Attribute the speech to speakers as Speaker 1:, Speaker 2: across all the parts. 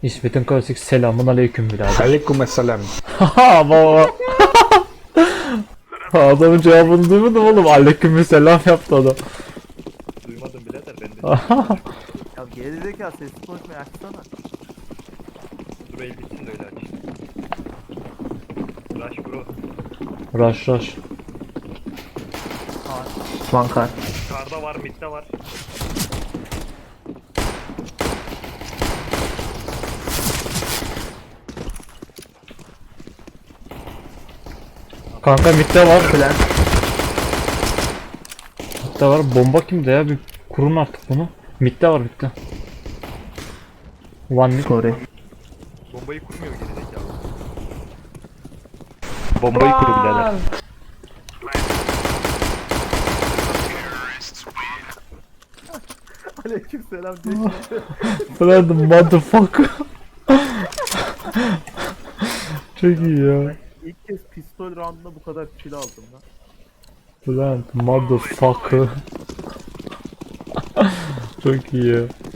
Speaker 1: İsmet'in klasik selamun aleyküm birader.
Speaker 2: Aleykümselam.
Speaker 1: Haha baba. Adamın cevabını duymadım oğlum. Aleyküm selam yaptı adam.
Speaker 3: Duymadım birader ben de.
Speaker 4: Ya gerizekalı sesli konuşmayı açsana.
Speaker 3: Dur el bitsin de öyle aç. Rush bro.
Speaker 1: Rush rush.
Speaker 4: One car.
Speaker 3: Karda var, midde var.
Speaker 1: Kanka midde var.
Speaker 4: Plan.
Speaker 1: Midde var. Bomba kimde ya? Bir kurun artık bunu. Midde var midde. One mid.
Speaker 4: Sorry.
Speaker 3: Bombayı kurmuyor gerizekalı. Bombayı kurun birader.
Speaker 4: Aleykümselam diye.
Speaker 1: Friend motherfucker. Çok iyi ya.
Speaker 4: İlk kez pistol roundunda bu kadar kill aldım lan.
Speaker 1: Friend motherfucker. Çok iyi ya.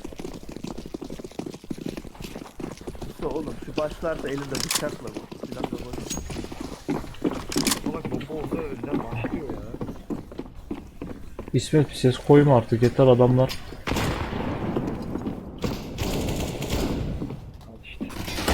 Speaker 4: İşte oğlum şu başlarda elinde bıçakla bu. Silah da boş.
Speaker 3: Salak bomba olsa önden başlıyor ya.
Speaker 1: İsmet bir ses koyma artık yeter adamlar.
Speaker 3: Al işte.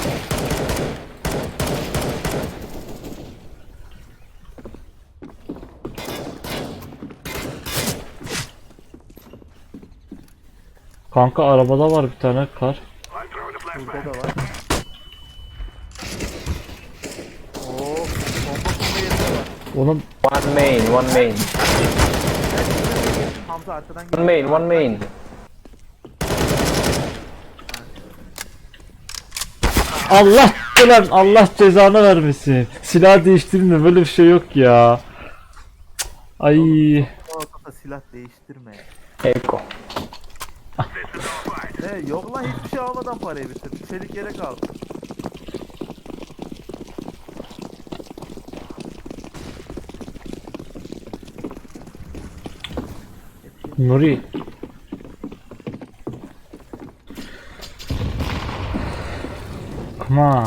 Speaker 1: Kanka arabada var bir tane kar.
Speaker 4: Burada da var. Oo, bomba kurma yerinde var.
Speaker 1: Onun
Speaker 5: One main, one main.
Speaker 4: Hamza arkadan
Speaker 5: One main, one main.
Speaker 1: Allah ulan Allah cezanı vermesin. Silah değiştirin de böyle bir şey yok ya. Ay
Speaker 4: ortada silah değiştirme.
Speaker 5: Echo.
Speaker 4: Yok lan hiçbir şey almadan parayı bitirdim. Çelik yere kaldı.
Speaker 1: Nuri. Come on.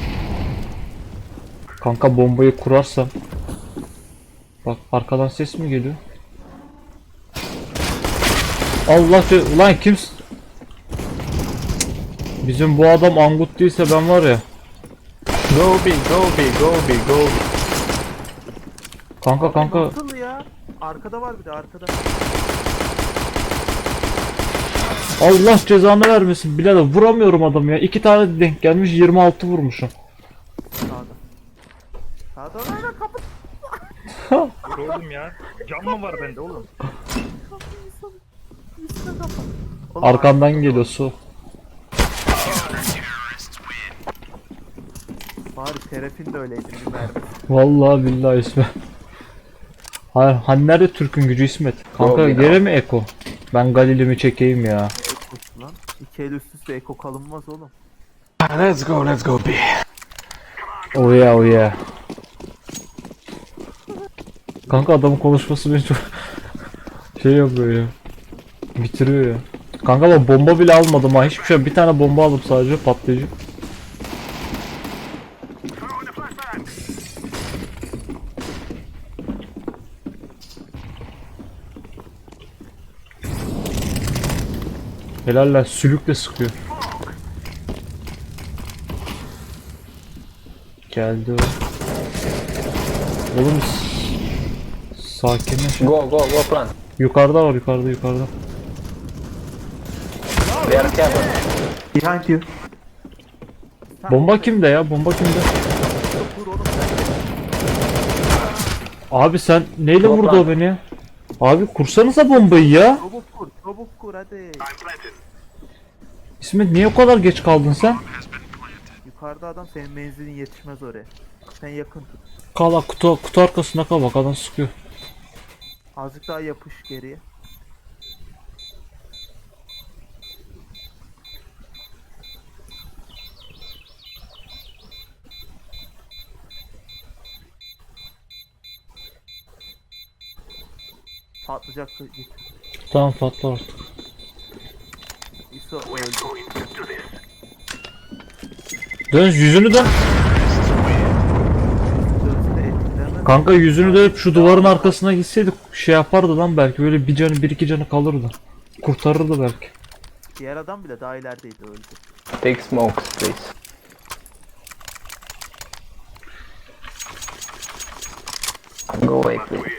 Speaker 1: Kanka bombayı kurarsam. Bak arkadan ses mi geliyor? Allah ulan kimsin? Bizim bu adam angut değilse ben var ya.
Speaker 5: Go big, go big, go big, go big.
Speaker 1: Kanka.
Speaker 4: Nasıl ya? Arkada var bir de arkada.
Speaker 1: Allah cezanı vermesin birader vuramıyorum adam ya. 2 tane denk gelmiş 26 vurmuşum.
Speaker 4: Sağda. Sağda lan kapı.
Speaker 3: Dur oğlum ya. Cam mı var bende oğlum?
Speaker 4: Üstüne kapat. Oğlum,
Speaker 1: Arkandan geliyor su.
Speaker 4: Bari şerefin de öyleydi bir mermi.
Speaker 1: Vallahi billahi İsmet. Hayır, hani nerede Türk'ün gücü İsmet? Kanka
Speaker 5: Yok,
Speaker 1: gene mi Eko? Ben Galilimi çekeyim ya.
Speaker 4: Ekosu lan. İki el üst üste eko kalınmaz oğlum.
Speaker 2: Let's go B.
Speaker 1: Oh yeah oh yeah. Kanka adamın konuşması beni çok şey yapıyor ya. Bitiriyor ya. Kanka ben bomba bile almadım ha hiçbir şey. Bir tane bomba aldım sadece patlayıcı. Helaller sülükle sıkıyor. Geldi o. Oğlum sakinleş.
Speaker 5: Go, go, go plant.
Speaker 1: Yukarıda var yukarıda.
Speaker 5: They are careful.
Speaker 4: Behind you.
Speaker 1: Bomba kimde ya? Bomba kimde?
Speaker 4: Vur oğlum sen.
Speaker 1: Abi sen neyle
Speaker 5: Yok
Speaker 1: vurdu
Speaker 5: lan.
Speaker 1: o beni ya? Abi kursanıza bombayı ya.
Speaker 4: Çabuk kur hadi.
Speaker 1: İsmet niye o kadar geç kaldın sen?
Speaker 4: Yukarıda adam senin menzilin yetişmez oraya. Sen yakın tut.
Speaker 1: Kala kutu arkasında kal bak adam sıkıyor.
Speaker 4: Azıcık daha yapış geriye. Patlayacak git.
Speaker 1: Tamam patla artık.
Speaker 4: İso öldü.
Speaker 1: Dön yüzünü dön.
Speaker 4: Sözde etkilemez.
Speaker 1: Kanka yüzünü dönüp şu duvarın arkasına gitseydik şey yapardı lan belki böyle bir canı bir iki canı kalırdı. Kurtarırdı belki.
Speaker 4: Diğer adam bile daha ilerideydi öldü.
Speaker 5: Take smokes, please. Go away, please.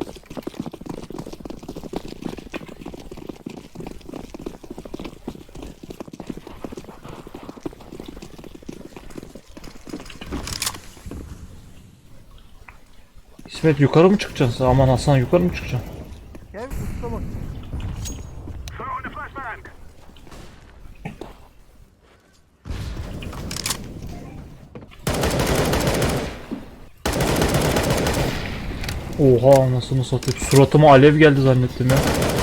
Speaker 1: İsmet yukarı mı çıkacaksın? Aman Hasan yukarı mı çıkacaksın?
Speaker 4: Gel usta bak.
Speaker 1: Oha anasını satayım. Suratıma alev geldi zannettim ya.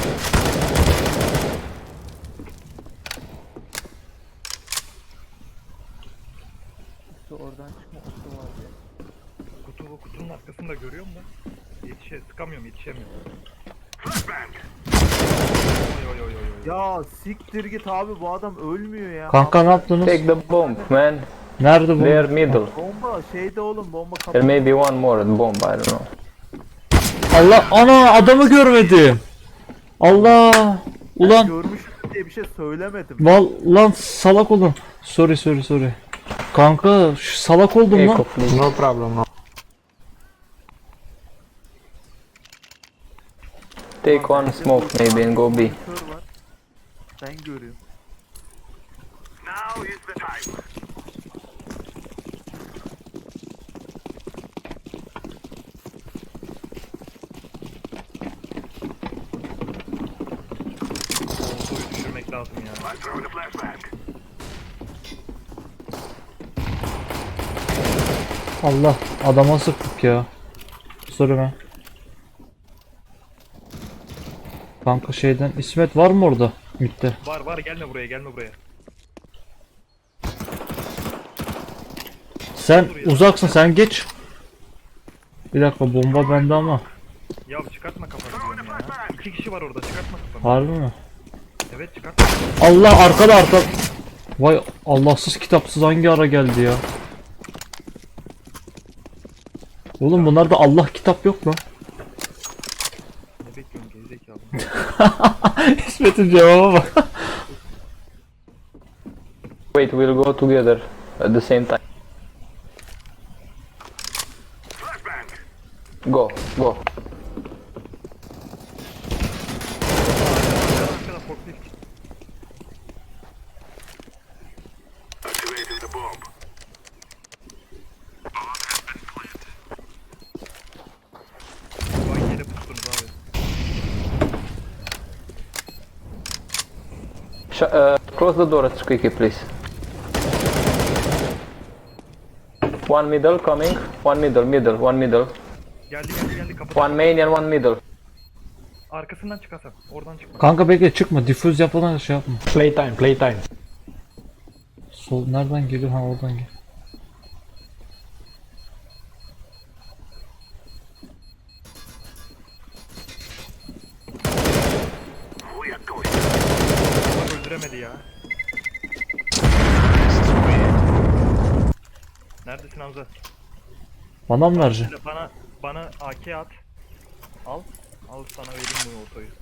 Speaker 4: Usta oradan çıkma usta var ya.
Speaker 3: Kutunun arkasında görüyorum da. Sıkamıyorum, yetişemiyorum. Oy oy oy oy oy.
Speaker 4: Ya siktir git abi, bu adam ölmüyor ya.
Speaker 1: Kanka ne yaptınız?
Speaker 5: Take the bomb, man.
Speaker 1: Nerede bu?
Speaker 5: They're middle.
Speaker 4: Bomba şeyde oğlum, bomba
Speaker 5: There
Speaker 4: kapı.
Speaker 5: may be one more bomb, I don't know.
Speaker 1: Allah ana adamı görmedim. Allah. Ulan
Speaker 4: Görmüş diye bir şey söylemedim.
Speaker 1: lan salak oldum. Sorry. Kanka şu salak oldum
Speaker 5: Echo,
Speaker 1: lan.
Speaker 5: please.
Speaker 2: No problem, no.
Speaker 5: Take one smoke maybe and go B.
Speaker 4: Kör var. Ben görüyorum.
Speaker 3: Soyu düşürmek lazım ya.
Speaker 1: Allah adama sıktık ya. Sorry ben. Kanka şeyden İsmet var mı orada? Mitte.
Speaker 3: Var gelme buraya.
Speaker 1: Sen uzaksın sen geç. Bir dakika bomba bende ama.
Speaker 3: Ya çıkartma kafanı diyorum ya. 2 kişi var orada, çıkartma kafanı.
Speaker 1: Harbi mi?
Speaker 3: Evet çıkartma.
Speaker 1: Allah arkada. Vay Allahsız kitapsız hangi ara geldi ya? Oğlum bunlarda Allah kitap yok mu?
Speaker 3: Ne bekliyorsun gerizekalı?
Speaker 1: İsmet'in cevaba bak.
Speaker 5: Wait, we'll go together at the same time. Go.
Speaker 3: Arkada forklift. Vay yere pustunuz abi.
Speaker 5: Close the door quickly, please. One middle coming. One middle.
Speaker 3: Geldi kapıda.
Speaker 5: One main and one middle.
Speaker 3: Arkasından çık Hasan. Oradan çıkma.
Speaker 1: Kanka bekle çıkma. Difüz yapmadan şey yapma.
Speaker 2: Playtime.
Speaker 1: Sol nereden geliyor? Ha oradan gel.
Speaker 3: Bak öldüremedi ya. Neredesin Hamza?
Speaker 1: Bana mı vereceksin?
Speaker 3: Bana AK at. Al. Al sana vereyim bu otoyu.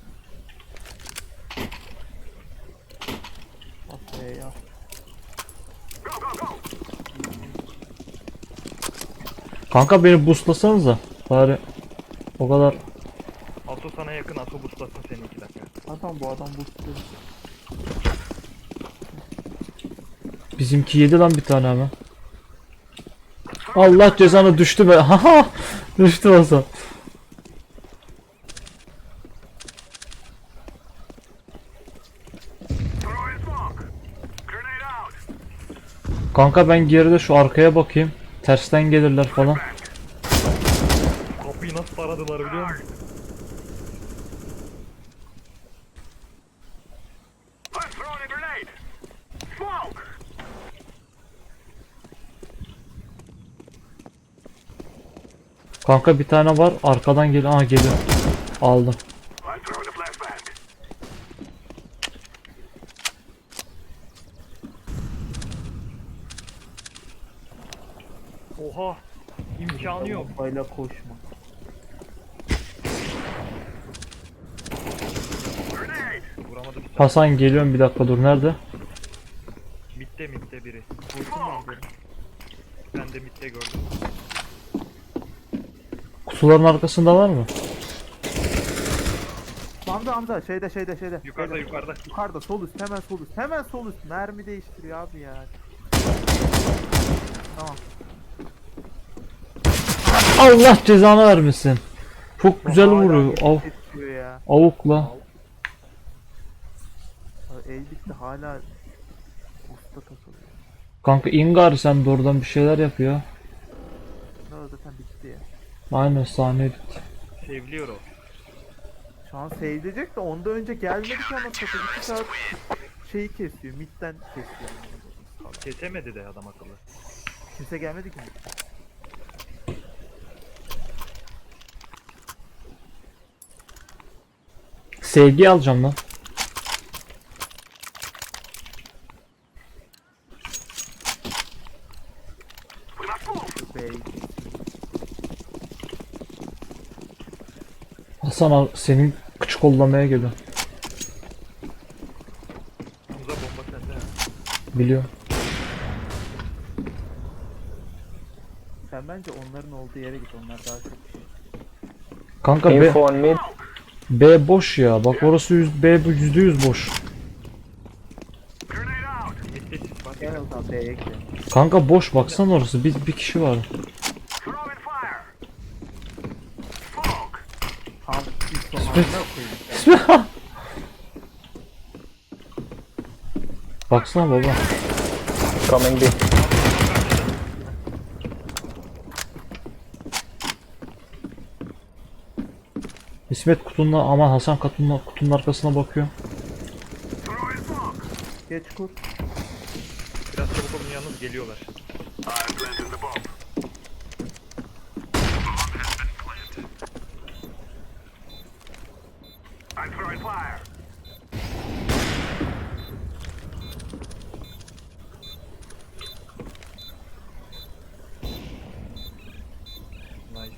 Speaker 4: Aferin ya.
Speaker 1: Kanka beni boostlasanıza. Bari o kadar.
Speaker 3: Ato sana yakın, Ato buslasın seni 2 dakika.
Speaker 4: Bu adam bu istiyor.
Speaker 1: Bizimki yedi lan bir tane hemen. Allah cezanı düştü be. Haha. Düştü olsa. Kanka ben geride şu arkaya bakayım. Tersten gelirler falan.
Speaker 3: Kapıyı nasıl taradılar biliyor musun?
Speaker 1: Kanka bir tane var arkadan geliyor. Aha geliyor. Aldım.
Speaker 4: Kafayla koşma.
Speaker 3: Vuramadım.
Speaker 1: Hasan geliyorum bir dakika dur nerede?
Speaker 3: Mitte biri. Vurdun mu abi? Ben de mitte gördüm.
Speaker 1: Kutuların arkasında var mı?
Speaker 4: Hamza şeyde.
Speaker 3: Yukarıda yukarıda.
Speaker 4: Yukarıda sol üst hemen sol üst. Hemen sol üst. Mermi değiştiriyor abi ya. Tamam.
Speaker 1: Allah cezanı vermesin. Çok güzel vuruyor.
Speaker 4: Hala kesiyor ya.
Speaker 1: Avukla.
Speaker 4: Abi el bitti hala usta takılıyor.
Speaker 1: Kanka Ingar sen de oradan bir şeyler yapıyor.
Speaker 4: Ne o zaten bitti ya.
Speaker 1: Aynen sahne bitti.
Speaker 3: Sevliyor o.
Speaker 4: Şu an seyredecek de ondan önce gelmedi ki ama satıyor. 2 saat şeyi kesiyor. Midden kesiyor.
Speaker 3: Kesemedi de adam akıllı.
Speaker 4: Kimse gelmedi ki.
Speaker 1: Sevgi alacağım lan.
Speaker 4: Bey.
Speaker 1: Hasan al senin küçük kollamaya geliyor.
Speaker 3: Hamza bomba sende ha.
Speaker 1: Biliyorum.
Speaker 4: Sen bence onların olduğu yere git. Onlar daha çok şey.
Speaker 1: Kanka
Speaker 5: Info on mid.
Speaker 1: B boş ya. Bak orası B bu %100 boş.
Speaker 3: Mitte sis var.
Speaker 4: Gel o zaman B'ye gidelim.
Speaker 1: Kanka boş baksana orası. Bir kişi var.
Speaker 4: Tam ilk sonlarına koyayım.
Speaker 1: Baksana baba.
Speaker 5: Coming B.
Speaker 1: İsmet kutunun ama Hasan kutunun arkasına bakıyor.
Speaker 4: Geç kur.
Speaker 3: Biraz çabuk olun yalnız geliyorlar. Nice.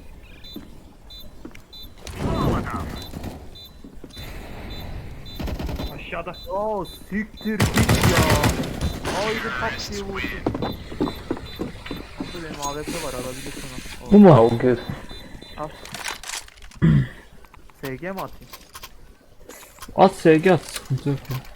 Speaker 3: Aşağıda.
Speaker 4: Oo siktir git ya. Haydi tak diye vurdum. Burada benim AWP var alabilirsin onu.
Speaker 1: Bu mu?
Speaker 5: How good.
Speaker 4: Al. SG mi atayım?
Speaker 1: At sevgi at. Sıkıntı yok ya.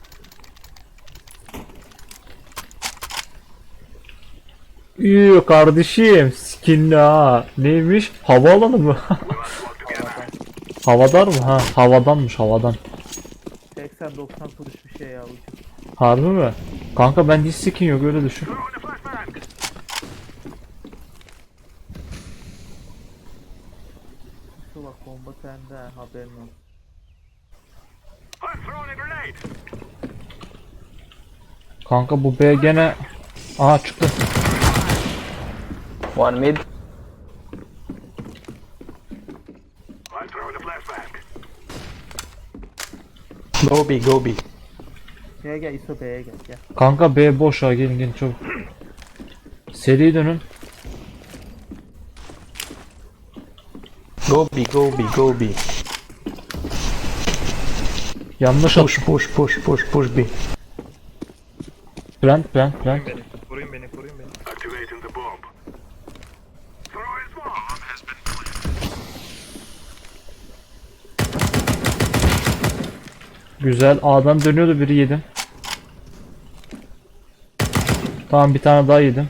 Speaker 1: Yoo kardeşim skinli ha. Neymiş? Havaalanı mı? Havadar mı? Ha havadanmış havadan.
Speaker 4: 80-90 kuruş bir şey ya ucuz.
Speaker 1: Harbi mi? Kanka bende hiç skin yok öyle düşün.
Speaker 4: Şu bak bomba sende haberin olsun.
Speaker 1: Kanka bu B gene... Aha çıktı.
Speaker 5: One mid.
Speaker 2: Go B, go B.
Speaker 4: Gel ISO B'ye gel.
Speaker 1: Kanka B boş ha gelin çabuk. Seri dönün.
Speaker 2: Go B, go B, go B.
Speaker 1: Yanlış at.
Speaker 2: Push B.
Speaker 1: Plant.
Speaker 3: Koruyun beni.
Speaker 1: Güzel A'dan dönüyordu biri yedim. Tamam bir tane daha yedim.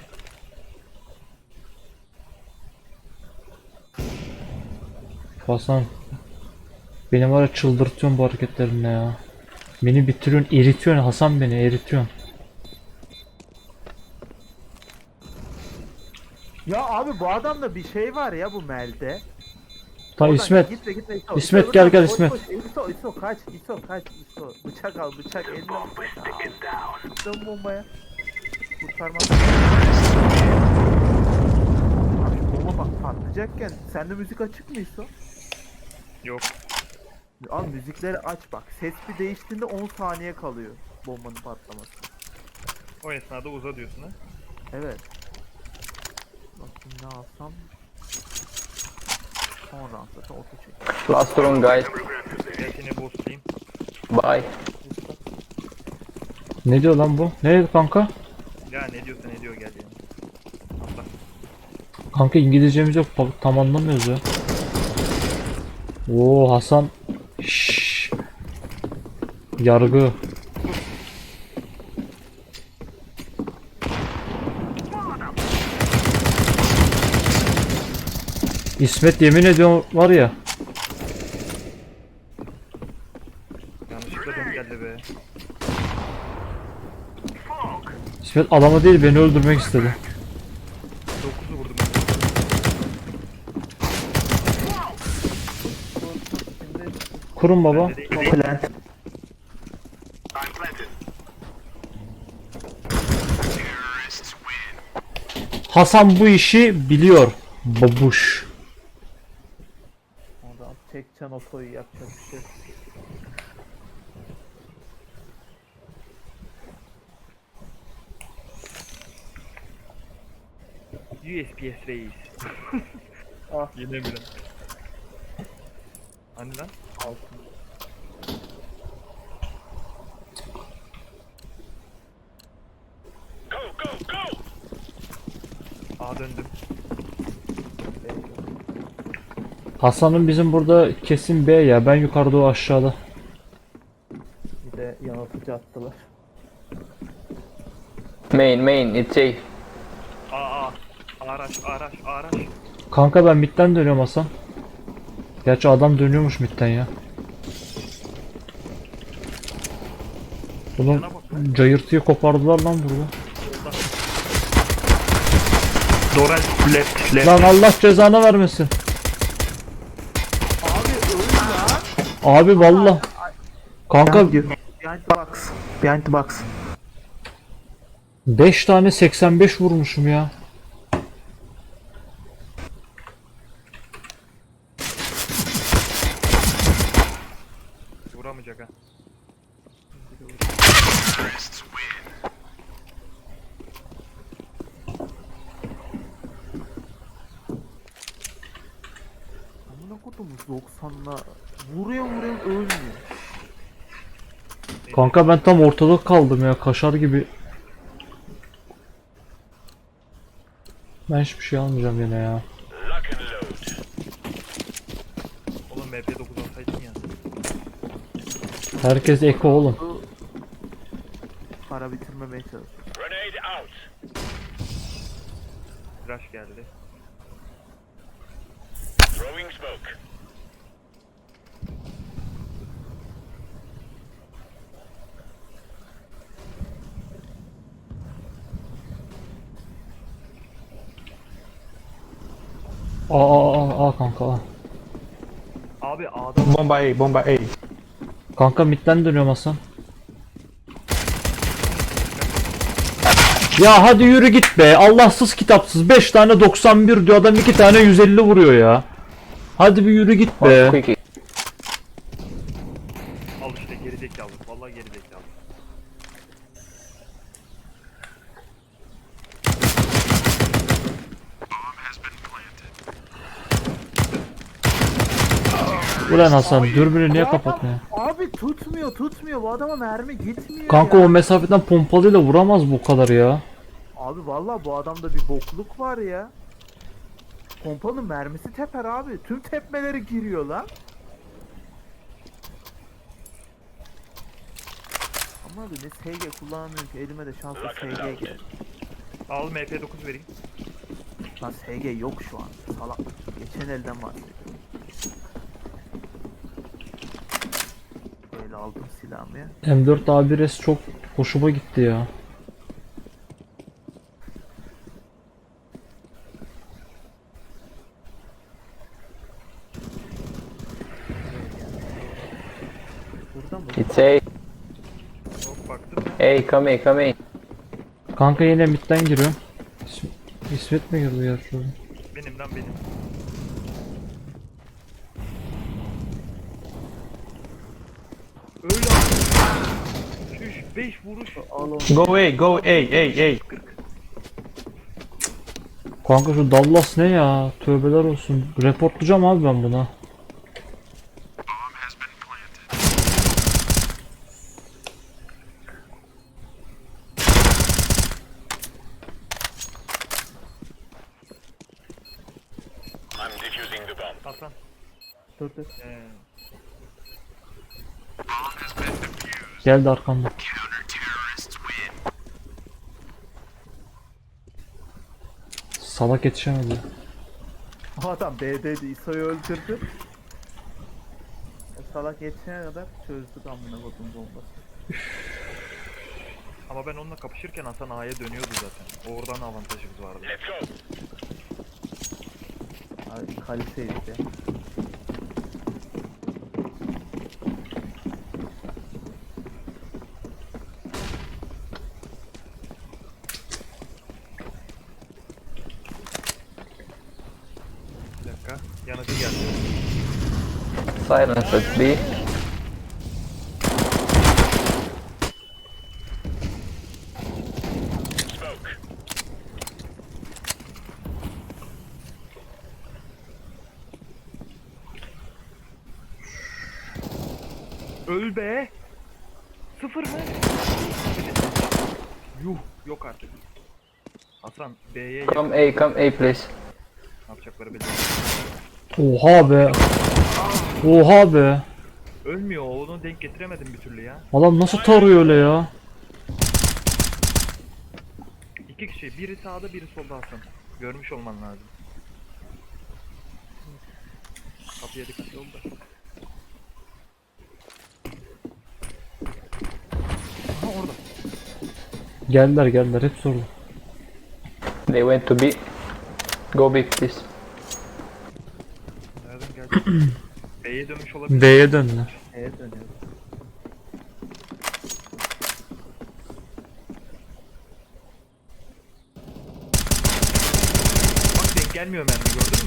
Speaker 1: Hasan. Beni var ya çıldırtıyorsun bu hareketlerinle ya. Beni bitiriyorsun, eritiyorsun Hasan beni eritiyorsun.
Speaker 4: Ya abi bu adamda bir şey var ya bu Mel'de.
Speaker 1: Ta
Speaker 4: Oradan
Speaker 1: İsmet.
Speaker 4: Gitme İso.
Speaker 1: İsmet,
Speaker 4: İso,
Speaker 1: gel,
Speaker 4: buradan
Speaker 1: gel
Speaker 4: koş,
Speaker 1: İsmet.
Speaker 4: koş. İso kaç. Bıçak al bıçak eline bıçak al. Dön bombaya. Kurtarmaz. Abi bomba bak patlayacakken sende müzik açık mı İso?
Speaker 3: Yok.
Speaker 4: Al müzikleri aç bak. Ses bir değiştiğinde 10 saniye kalıyor bombanın patlaması.
Speaker 3: O esnada uza diyorsun ha.
Speaker 4: Evet. Bakayım ne alsam. Son round zaten oto çek.
Speaker 5: Last round, guys.
Speaker 3: Gel seni boostlayayım.
Speaker 5: Bye.
Speaker 1: Ne diyor lan bu? Ne dedi kanka?
Speaker 3: Ya ne diyorsa ne diyor gel yani. Atla.
Speaker 1: Kanka İngilizcemiz yok. Tam anlamıyoruz ya. Oo Hasan. Şşş. Yargı. İsmet yemin ediyorum var ya.
Speaker 3: Yanlışlıkla denk geldi be.
Speaker 1: İsmet adamı değil beni öldürmek istedi.
Speaker 3: 9'u vurdum.
Speaker 1: Kurun baba.
Speaker 3: Ben de değil.
Speaker 2: Plant.
Speaker 1: Hasan bu işi biliyor. Babuş.
Speaker 4: Oradan çekeceksin otoyu yapacak bir şey. yok.
Speaker 3: USPS reis.
Speaker 4: Ah.
Speaker 3: Yine mi lan? Hani lan?
Speaker 4: Altın.
Speaker 3: A döndüm.
Speaker 1: Hasan'ın bizim burada kesin B ya. Ben yukarıda o aşağıda.
Speaker 4: Bir de yanıltıcı attılar.
Speaker 5: Main, it's A.
Speaker 3: A. Araç.
Speaker 1: Kanka ben midden dönüyorum Hasan. Gerçi adam dönüyormuş midden ya. Bunun
Speaker 3: Yana bak lan.
Speaker 1: cayırtıyı kopardılar lan burada.
Speaker 3: Doral left.
Speaker 1: Lan Allah cezanı vermesin. Abi valla. Kanka
Speaker 4: Behind the box. Behind the box.
Speaker 1: 5 tane 85 vurmuşum ya.
Speaker 3: Vuramayacak ha.
Speaker 4: Amına kodumuz 90'la vuruyor ölmüyor.
Speaker 1: Kanka ben tam ortada kaldım ya. Kaşar gibi. Ben hiçbir şey almayacağım yine ya.
Speaker 3: Oğlum MP9 alsaydın ya.
Speaker 1: Herkes eko oğlum.
Speaker 4: Para bitirmemeye çalışıyor.
Speaker 3: Flash geldi.
Speaker 1: Aa kanka. Aa.
Speaker 3: Abi A'da
Speaker 2: Bomba A, bomba A.
Speaker 1: Kanka midden dönüyorum Hasan. Ya hadi yürü git be. Allahsız kitapsız. 5 tane 91 diyor adam 2 tane 150 vuruyor ya. Hadi bir yürü git be.
Speaker 5: Quick.
Speaker 3: al işte gerizekalı. Vallahi gerizekalı.
Speaker 1: Ulan Hasan dürbünü niye kapatmıyor?
Speaker 4: Abi tutmuyor. Bu adama mermi gitmiyor
Speaker 1: Kanka
Speaker 4: ya.
Speaker 1: o mesafeden pompalıyla vuramaz bu kadar ya.
Speaker 4: Abi vallahi bu adamda bir bokluk var ya. Pompanın mermisi teper abi. Tüm tepmeleri giriyor lan. Ama abi ne SG kullanamıyorum ki elime de şanslı SG geldi.
Speaker 3: Al MP9 vereyim.
Speaker 4: Lan SG yok şu an salak. Geçen elden bahsediyorum. Böyle aldım silahımı ya.
Speaker 1: M4 A1S çok hoşuma gitti ya.
Speaker 4: Burada mı?
Speaker 5: It's A.
Speaker 3: Hop baktım.
Speaker 5: A, come in.
Speaker 1: Kanka yine midden giriyorum. İsmet mi girdi ya şurada?
Speaker 3: Benim lan benim. Öyle abi. Şuş 5 vuruş.
Speaker 4: Al onu.
Speaker 2: Go A, go A, A.
Speaker 1: Kanka şu Dallas ne ya? Tövbeler olsun. Reportlayacağım abi ben buna.
Speaker 3: Hasan.
Speaker 4: Dur dur.
Speaker 1: Geldi arkamda. Salak yetişemedi.
Speaker 4: O adam B'deydi. ISO'yu öldürdü. O salak yetişene kadar çözdük amına kodum bombası.
Speaker 3: Ama ben onunla kapışırken Hasan A'ya dönüyordu zaten. Oradan avantajımız vardı.
Speaker 4: Abi kaliteydi ya.
Speaker 3: Bir dakika. Yanıcı geldi.
Speaker 5: Silence at B.
Speaker 3: Öl be! Sıfır mı? Yuh! Yok artık. Hasan B'ye
Speaker 5: Come A, please.
Speaker 3: ne yapacakları belli.
Speaker 1: Oha be. Oha be.
Speaker 3: Ölmüyor, onu denk getiremedim bir türlü ya.
Speaker 1: Adam nasıl tarıyor öyle ya?
Speaker 3: İki kişi, biri sağda biri solda Hasan. Görmüş olman lazım. Kapıya dikkatli ol da. Aha orada.
Speaker 1: Geldiler hep sordu.
Speaker 5: They went to B. Go B, please.
Speaker 3: Nereden geldi? B'ye dönmüş olabilir.
Speaker 1: B'ye döndüler.
Speaker 4: B'ye dönüyoruz.
Speaker 3: Bak denk gelmiyor mermi, gördün mü?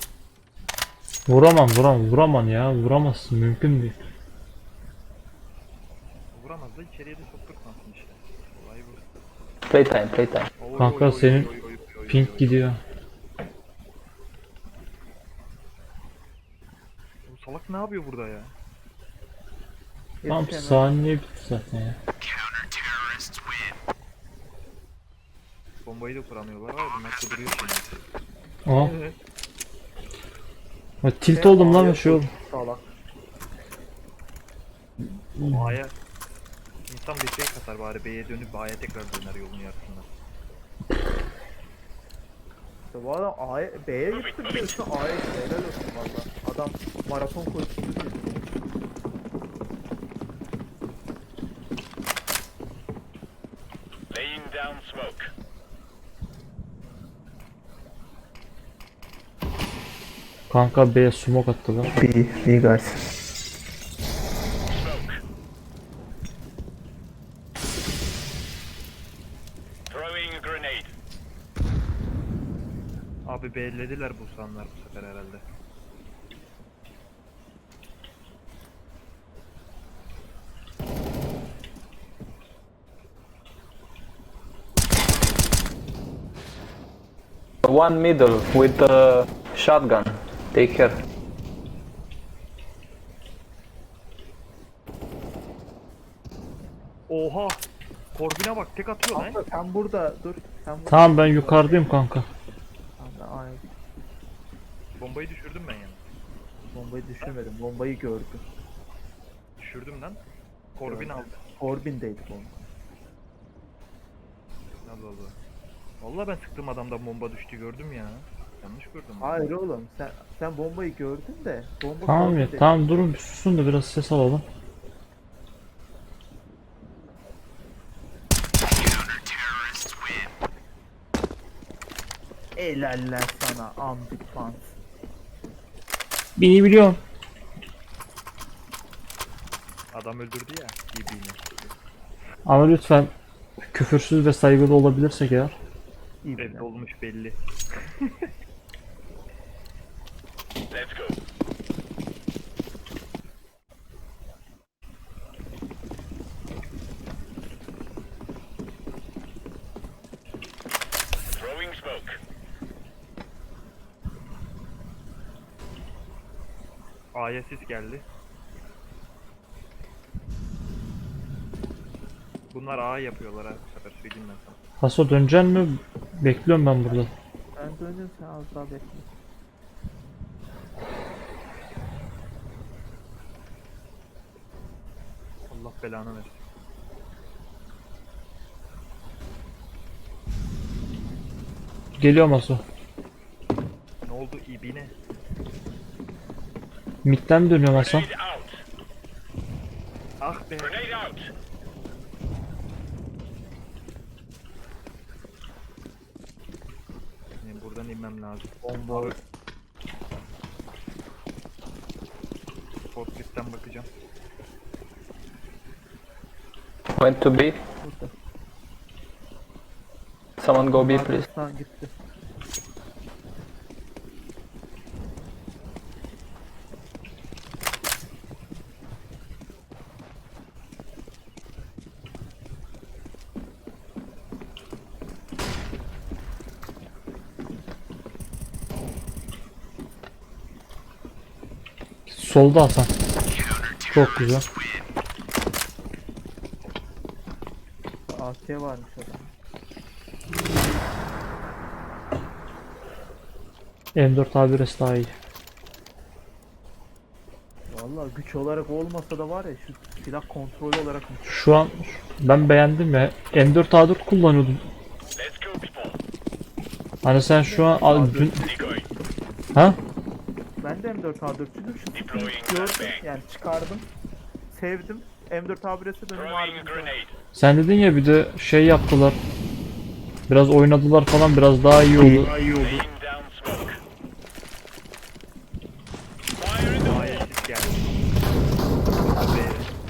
Speaker 1: Vuramam ya. Vuramazsın, mümkün değil.
Speaker 3: Vuramaz da içeriye de sokturtmasın işte. Olay bu.
Speaker 5: Playtime.
Speaker 3: Oy,
Speaker 1: Kanka,
Speaker 3: oy, oy,
Speaker 1: senin
Speaker 3: oy, oy, oy, oy,
Speaker 1: Pink
Speaker 3: oy.
Speaker 1: gidiyor.
Speaker 3: Bu salak ne yapıyor burada ya?
Speaker 1: Tam
Speaker 4: Yetişemez.
Speaker 1: saniye bitti zaten ya.
Speaker 3: Bombayı da kuramıyorlar abi, bunlar kuduruyor şimdi.
Speaker 1: Aha.
Speaker 3: Evet.
Speaker 1: Ha, tilt oldum lan şey oldu.
Speaker 4: Salak.
Speaker 3: A'ya insan bir şey katar bari, B'ye dönüp A'ya tekrar döner yolun yarısından.
Speaker 4: İşte bu adam B'ye gitti bir de şu A'ya gitti. Helal olsun valla. Adam maraton koşusu gibi.
Speaker 6: Laying down smoke.
Speaker 1: Kanka B'ye smoke attılar.
Speaker 4: B guys.
Speaker 6: Smoke. Throwing a grenade.
Speaker 3: Abi B'lediler bu sanlar bu sefer herhalde.
Speaker 5: One middle with a shotgun. Take care.
Speaker 3: Oha! Korbine bak, tek atıyor lan.
Speaker 4: Kanka sen burada dur. Sen burada.
Speaker 1: Tamam ben yukarıdayım kanka.
Speaker 4: Tamam, ben A'ya gittim.
Speaker 3: Bombayı düşürdüm ben yani.
Speaker 4: Bombayı düşürmedim. Bombayı gördüm.
Speaker 3: Düşürdüm lan. Korbin aldı.
Speaker 4: Corbin'deydi bomba.
Speaker 3: Allah Allah. Vallahi ben sıktığım adamdan bomba düştü gördüm ya. Yanlış gördüm.
Speaker 4: Hayır oğlum sen bombayı gördün de bomba
Speaker 1: Tamam ya,
Speaker 4: Corbin'deydi.
Speaker 1: tamam durun bir susun da biraz ses alalım.
Speaker 4: Helaller sana ambik pants.
Speaker 1: Beni biliyorum.
Speaker 3: Adam öldürdü ya. İbi'ni.
Speaker 1: Ama lütfen küfürsüz ve saygılı olabilirsek eğer.
Speaker 4: İyi
Speaker 3: Belli
Speaker 4: bilen.
Speaker 3: olmuş belli.
Speaker 6: Let's go. Throwing smoke.
Speaker 3: A'ya sis geldi. Bunlar A yapıyorlar ha bu sefer söyleyeyim ben sana.
Speaker 1: Haso döneceksin mi? Bekliyorum ben burada.
Speaker 4: Ben dönüyorum, sen az daha bekle.
Speaker 3: Allah belanı versin.
Speaker 1: Geliyorum Haso.
Speaker 3: Ne oldu ibine?
Speaker 1: Mid'den dönüyorum Hasan.
Speaker 6: Grenade out.
Speaker 3: Ah be.
Speaker 6: Grenade out.
Speaker 3: Yani buradan inmem lazım.
Speaker 4: Bomba.
Speaker 3: Forklift'ten bakacağım.
Speaker 5: Went to B.
Speaker 4: Burada.
Speaker 5: Someone go B please.
Speaker 4: Arkasından gitti.
Speaker 1: Solda Hasan. Çok güzel.
Speaker 4: AK varmış adam.
Speaker 1: M4 A1S daha iyi.
Speaker 4: Vallahi güç olarak olmasa da var ya, şu silah kontrolü olarak
Speaker 1: Şu an ben beğendim ya. M4 A4 kullanıyordum.
Speaker 6: Let's go people.
Speaker 1: Hani sen şu an dün...
Speaker 6: Decoy.
Speaker 1: Ha?
Speaker 4: ben de M4A4'çüydüm, şu tipi
Speaker 6: Deploying
Speaker 4: gördüm
Speaker 6: flashbang.
Speaker 4: yani, çıkardım, sevdim, M4A1'e dönüm
Speaker 6: Throwing a
Speaker 4: harbiden.
Speaker 6: grenade.
Speaker 1: Sen dedin ya bir de şey yaptılar. Biraz oynadılar falan, biraz daha iyi oldu.
Speaker 6: Laying down smoke. Fire in the hole.
Speaker 3: A'ya sis geldi. B.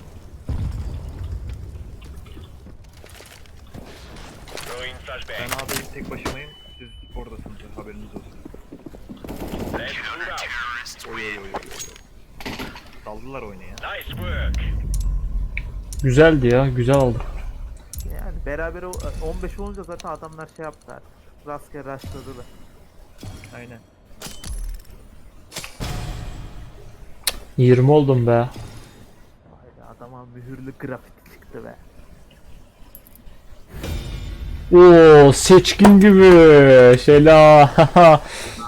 Speaker 6: Throwing
Speaker 3: Ben
Speaker 6: flashbang.
Speaker 3: A'dayım, tek başımayım. Siz oradasınız, haberiniz olsun.
Speaker 6: Let's move out.
Speaker 3: Oy oy oy oy oy. Daldılar oyunu ya.
Speaker 6: Nice work.
Speaker 1: Güzeldi ya, güzel aldık.
Speaker 4: Yani beraber 15 olunca zaten adamlar şey yaptılar. Rastgele rushladılar.
Speaker 3: Aynen.
Speaker 1: 20 oldum be.
Speaker 4: Haydi, adama mühürlü grafiti çıktı be.
Speaker 1: Oo, seçkin gibi. Şeyla.